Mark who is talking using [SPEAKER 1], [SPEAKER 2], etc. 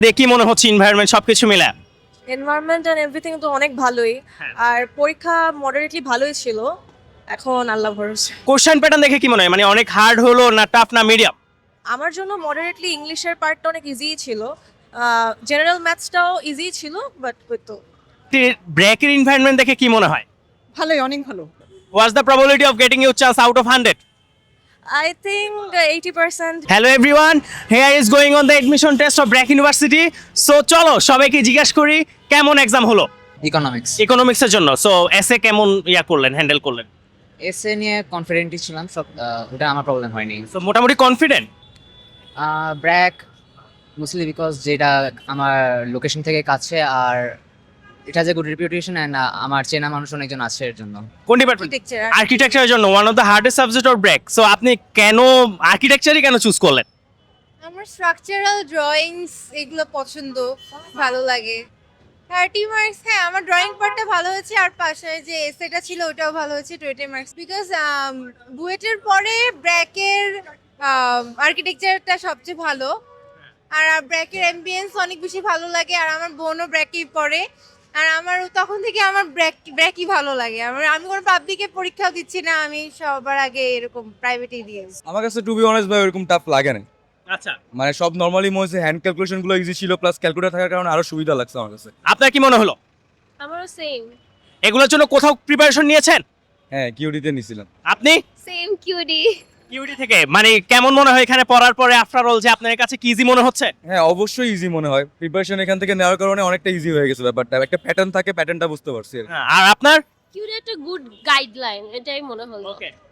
[SPEAKER 1] দেখি মনে হচ্ছে এনভায়রনমেন্ট সবকিছু মিলে।
[SPEAKER 2] এনভায়রনমেন্ট এন্ড এভরিথিং তো অনেক ভালোই।
[SPEAKER 1] হ্যাঁ।
[SPEAKER 2] আর পরীক্ষা মডারেটলি ভালোই ছিল। এখন আল্লাহ ভরসা।
[SPEAKER 1] কোশ্চেন প্যাটার্ন দেখে কি মনে হয়, মানে অনেক হার্ড হলো না টাফ না মিডিয়াম?
[SPEAKER 2] আমার জন্য মডারেটলি ইংলিশের পার্টটা অনেক ইজিই ছিল। জেনারেল ম্যাথসটাও ইজি ছিল, বাট ওই তো
[SPEAKER 1] ব্রেকের এনভায়রনমেন্ট দেখে কি মনে হয়?
[SPEAKER 2] ভালোই, অনেক ভালো।
[SPEAKER 1] What's the probability of getting you chance out of 100?
[SPEAKER 2] I think 80%।
[SPEAKER 1] Hello everyone, here is going on the admission test of BRAC university. So চলো সবাইকে জিজ্ঞাসা করি কেমন এক্সাম হলো
[SPEAKER 3] ইকোনমিক্স
[SPEAKER 1] ইকোনমিক্সের জন্য। সো এসে কেমন করলেন, হ্যান্ডেল করলেন?
[SPEAKER 3] এসএ নিয়ে কনফিডেন্টই ছিলাম সব, ওটা আমার প্রবলেম হয়নি।
[SPEAKER 1] সো মোটামুটি কনফিডেন্ট?
[SPEAKER 3] ব্র্যাক মোস্টলি বিকজ যেটা আমার লোকেশন থেকে কাছে, আর এটা যে গুড রেপুটেশন অ্যান্ড আমার চেনা মানুষ অনেকজন আছে এর জন্য।
[SPEAKER 1] কোন ডিপার্টমেন্ট?
[SPEAKER 2] আর্কিটেকচার।
[SPEAKER 1] আর্কিটেকচারের জন্য one of the hardest subject or BRAC. So আপনি কেন আর্কিটেকচারই কেন চুজ করলেন?
[SPEAKER 4] আমার স্ট্রাকচারাল ড্রয়িংস এগুলো পছন্দ, ভালো লাগে। 30 মার্কস, হ্যাঁ আমার ড্রয়িং পার্টটা ভালো হয়েছে, আর পাশে যে এসেটা ছিল ওটাও ভালো হয়েছে, 20 মার্কস। বিকজ বুয়েটের পরে ব্র্যাকের আর্কিটেকচারটা সবচেয়ে ভালো, আর ব্র্যাকের অ্যাম্বিয়েন্স অনেক বেশি ভালো লাগে, আর আমার বোনও ব্র্যাকেই পড়ে, আর আমার তখন থেকে আমার ব্র্যাকই ভালো লাগে। আমি কোনো পাবলিকে পরীক্ষাও দিচ্ছি না, আমি সবার আগে এরকম প্রাইভেটেই দিয়েছি।
[SPEAKER 5] আমার কাছে টু বি অনেস্ট ভাই ওরকম টাফ লাগে না।
[SPEAKER 1] আচ্ছা,
[SPEAKER 5] মানে সব নর্মালি মনে হচ্ছে হ্যান্ড ক্যালকুলেশন গুলো ইজি ছিল, প্লাস ক্যালকুলেটর থাকার কারণে আরো সুবিধা লাগছে আমার কাছে।
[SPEAKER 1] আপনার কি মনে হলো?
[SPEAKER 2] আমারও সেম।
[SPEAKER 1] এগুলোর জন্য কোথাও প্রিপারেশন নিয়েছেন?
[SPEAKER 5] হ্যাঁ, কিউডিতে নিছিলাম।
[SPEAKER 1] আপনি
[SPEAKER 4] সেম কিউডি।
[SPEAKER 1] ইউডি থেকে, মানে কেমন মনে হয় এখানে পড়ার পরে আফটার অল যে আপনার কাছে কি ইজি মনে হচ্ছে?
[SPEAKER 5] হ্যাঁ, অবশ্যই ইজি মনে হয়। প্রিপারেশন এখান থেকে নেওয়ার কারণে অনেকটা ইজি হয়ে গেছে ব্যাপারটা। একটা প্যাটার্ন থাকে, প্যাটার্নটা বুঝতে পারছি আর কি।
[SPEAKER 1] আর আপনার?
[SPEAKER 6] কিউরি একটা গুড গাইডলাইন, এটাই মনে হলো।
[SPEAKER 1] ওকে।